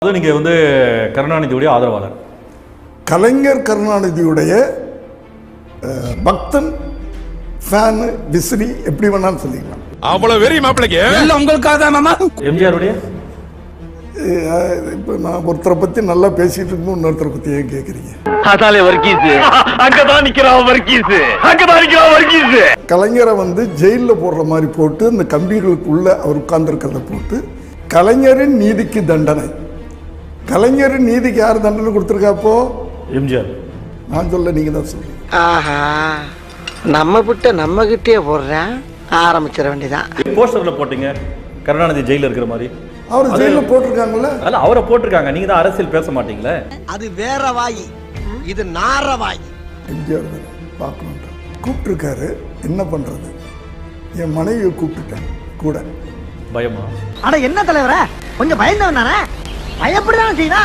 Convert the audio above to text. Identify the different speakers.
Speaker 1: நீங்கள் வந்து கருணாநிதியுடைய ஆதரவாளர்.
Speaker 2: கலைஞர் கருணாநிதியுடைய பக்தன், ஃபேனு, விசிறி, எப்படி வேணாலும் சொல்லிக்கலாம்.
Speaker 3: அவ்வளவு வெறி மாப்பிளைக்கு
Speaker 4: உங்களுக்காக தான் மாமா.
Speaker 1: எம்ஜிஆருடைய
Speaker 2: இப்போ நான் ஒருத்தரை பற்றி நல்லா பேசிட்டு இருக்கும், இன்னொருத்தரை பற்றி ஏன் கேட்குறீங்க?
Speaker 5: அதாலே வர்க்கீஸ் அங்கதான் நிக்கிறான், வர்க்கீஸ் அங்கதான் நிக்கிறான், வர்க்கீஸ்.
Speaker 2: கலைஞரை வந்து ஜெயிலில் போடுற மாதிரி போட்டு அந்த கம்பிகளுக்குள்ள அவர் உட்கார்ந்துருக்கிறத போட்டு கலைஞரின் நீதிக்கு தண்டனை. கலைஞரின் நீதிக்கு யார் தண்டனை கொடுத்துருக்காப்போ?
Speaker 1: எம்ஜிஆர்.
Speaker 2: நான் சொல்ல, நீங்க தான் சொல்றீங்க.
Speaker 6: ஆஹா, நம்ம விட்ட நம்ம கிட்டே போடுறேன், ஆரம்பிச்சிட வேண்டியதான்.
Speaker 1: போஸ்டர்ல போட்டீங்க கருணாநிதி ஜெயில இருக்கிற மாதிரி.
Speaker 2: அவர் ஜெயிலில் போட்டிருக்காங்கல்ல?
Speaker 1: அல்ல, அவரை போட்டிருக்காங்க. நீங்க தான் அரசியல் பேச மாட்டீங்களே.
Speaker 6: அது வேற வாய், இது நார வாய்.
Speaker 2: எம்ஜிஆர் தானே பார்க்கணும் கூப்பிட்டுருக்காரு. என்ன பண்றது? என் மனைவியை கூப்பிட்டுட்டேன் கூட.
Speaker 1: பயமா?
Speaker 6: அட என்ன தலைவர, கொஞ்சம் பயந்தவன் தானே, பயப்படதான் செய்தா.